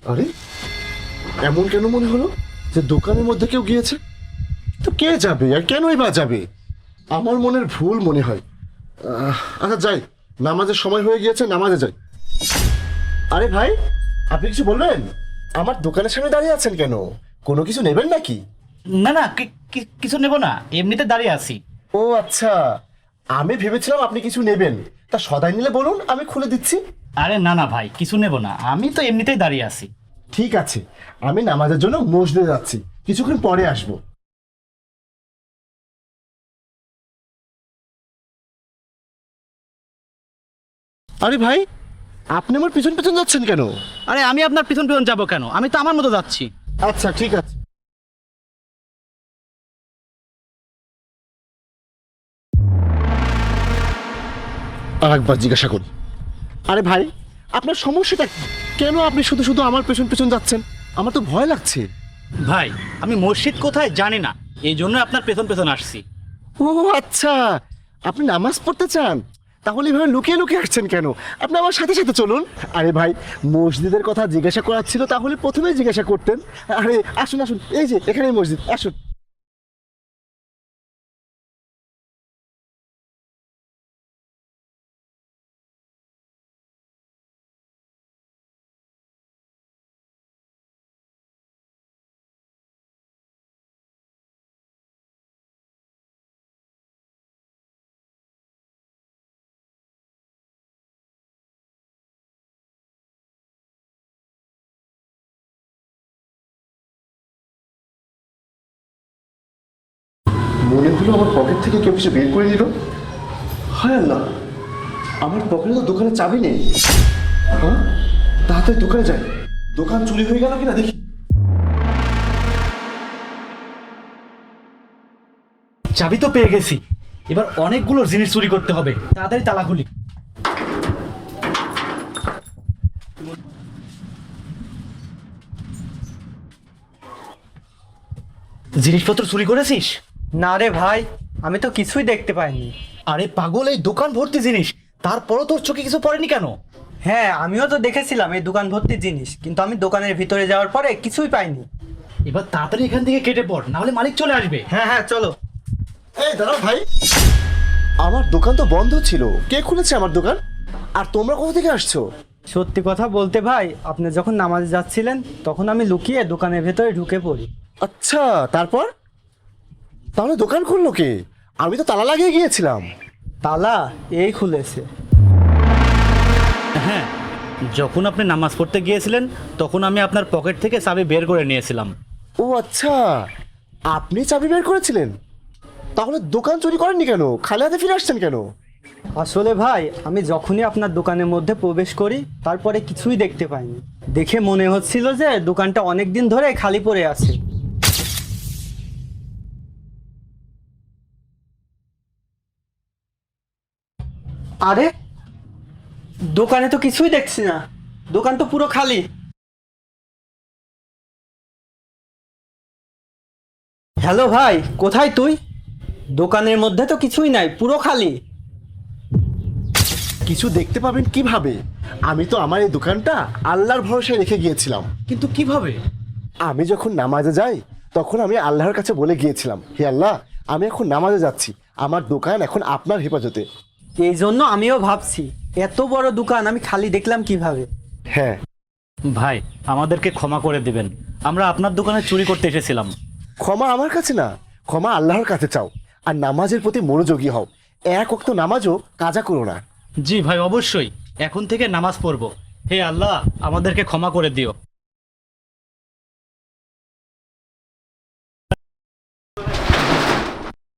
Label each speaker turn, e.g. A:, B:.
A: আরে এমন কেন মনে হলো যে দোকানের মধ্যে কেউ গিয়েছে? তো কে যাবে আর কেনই বা যাবে? আমার মনের ভুল মনে হয়। আচ্ছা যাই, নামাজের সময় হয়ে গিয়েছে, নামাজে যাই। আরে ভাই, আপনি কিছু বলবেন? আমার দোকানের সামনে দাঁড়িয়ে আছেন কেন? কোনো কিছু নেবেন নাকি?
B: না না, কিছু নেব না, এমনিতে দাঁড়িয়ে আছি।
A: ও আচ্ছা, আমি ভেবেছিলাম আপনি কিছু নেবেন। তা সদাই নিলে বলুন, আমি খুলে দিচ্ছি।
B: আরে না না ভাই, কিছু নেব না, আমি তো এমনিতেই দাঁড়িয়ে আছি।
A: ঠিক আছে, আমি নামাজের জন্য মসজিদে যাচ্ছি, কিছুক্ষণ পরে আসবো। আরে ভাই, আপনি আমার পিছন পিছন যাচ্ছেন কেন?
B: আরে আমি আপনার পিছন পিছন যাবো কেন? আমি তো আমার মতো যাচ্ছি।
A: আচ্ছা ঠিক আছে। আর একবার জিজ্ঞাসা করি, আরে ভাই, আপনার সমস্যাটা কি? কেন আপনি শুধু শুধু আমার পেছন পেছন যাচ্ছেন? আমার তো ভয় লাগছে।
B: ভাই, আমি মসজিদ কোথায় জানি না, এই জন্য আপনার পেছন পেছন আসছি।
A: ও আচ্ছা, আপনি নামাজ পড়তে চান? তাহলে এভাবে লুকিয়ে লুকিয়ে আসছেন কেন? আপনি আমার সাথে সাথে চলুন। আরে ভাই, মসজিদের কথা জিজ্ঞাসা করার ছিল, তাহলে প্রথমেই জিজ্ঞাসা করতেন। আরে আসুন আসুন, এই যে এখানেই মসজিদ, আসুন। মনে হলো আমার পকেট থেকে কেউ কিছু বের করে দিল। হায় আল্লাহ, আমার পকেটে তো দোকানের চাবি নেই। হ্যাঁ, তাড়াতাড়ি দোকানে যাই। দোকান চুরি হয়ে গেল কিনা দেখি।
B: চাবি তো পেয়ে গেছি, এবার অনেকগুলো জিনিস চুরি করতে হবে, তাড়াতাড়ি তালা খুলি। জিনিসপত্র চুরি করেছিস?
C: না রে ভাই, আমি তো কিছুই দেখতে পাইনি।
B: আরে পাগল, এই দোকান ভর্তি জিনিস, তারপরও তোর চোখে কিছু পড়েনি কেন?
C: হ্যাঁ, আমিও তো দেখেছিলাম এই দোকান ভর্তি জিনিস, কিন্তু আমি দোকানের ভিতরে যাওয়ার পরে কিছুই পাইনি।
B: এবার তাড়াতাড়ি এখান থেকে কেটে পড়, না হলে মালিক চলে আসবে।
C: হ্যাঁ হ্যাঁ, চলো।
A: এই দাঁড়াও ভাই, আমার দোকান তো বন্ধ ছিল, কে খুলেছে আমার দোকান? আর তোমরা কোথা থেকে আসছো?
C: সত্যি কথা বলতে ভাই, আপনি যখন নামাজে যাচ্ছিলেন তখন আমি লুকিয়ে দোকানের ভেতরে ঢুকে পড়ি।
A: আচ্ছা, তারপর? তাহলে দোকান খুললো কে? আমি তো তালা লাগিয়ে গিয়েছিলাম।
C: তালা এই খুলেছে।
B: হ্যাঁ, যখন আপনি নামাজ পড়তে গিয়েছিলেন তখন আমি আপনার পকেট থেকে চাবি বের করে নিয়েছিলাম।
A: ও আচ্ছা, আপনি চাবি বের করেছিলেন? তাহলে দোকান চুরি করেননি কেন? খালি হাতে ফিরে আসছেন কেন?
C: আসলে ভাই, আমি যখনই আপনার দোকানের মধ্যে প্রবেশ করি তারপরে কিছুই দেখতে পাইনি। দেখে মনে হচ্ছিল যে দোকানটা অনেক দিন ধরে খালি পড়ে আছে। আরে, দোকানে তো কিছুই দেখছি না, দোকান তো পুরো খালি। হ্যালো ভাই, কোথায় তুই? দোকানের মধ্যে তো কিছুই নাই, পুরো খালি।
A: কিছু দেখতে পাবেন কিভাবে? আমি তো আমার এই দোকানটা আল্লাহর ভরসায় রেখে গিয়েছিলাম।
B: কিন্তু কিভাবে?
A: আমি যখন নামাজে যাই তখন আমি আল্লাহর কাছে বলে গিয়েছিলাম, হে আল্লাহ, আমি এখন নামাজে যাচ্ছি, আমার দোকান এখন আপনার হেফাজতে।
C: এই জন্য আমিও ভাবছি এত বড় দোকান আমি খালি দেখলাম কিভাবে।
A: হ্যাঁ
B: ভাই, আমাদেরকে ক্ষমা করে দিবেন, আমরা আপনার দোকানে চুরি করতে এসেছিলাম।
A: ক্ষমা আমার কাছে না, ক্ষমা আল্লাহর কাছে চাও। আর নামাজের প্রতি মনোযোগী হও, এক ওয়াক্ত নামাজও কাজা করো না।
B: জি ভাই, অবশ্যই এখন থেকে নামাজ পড়ব। হে আল্লাহ, আমাদেরকে ক্ষমা করে দিও।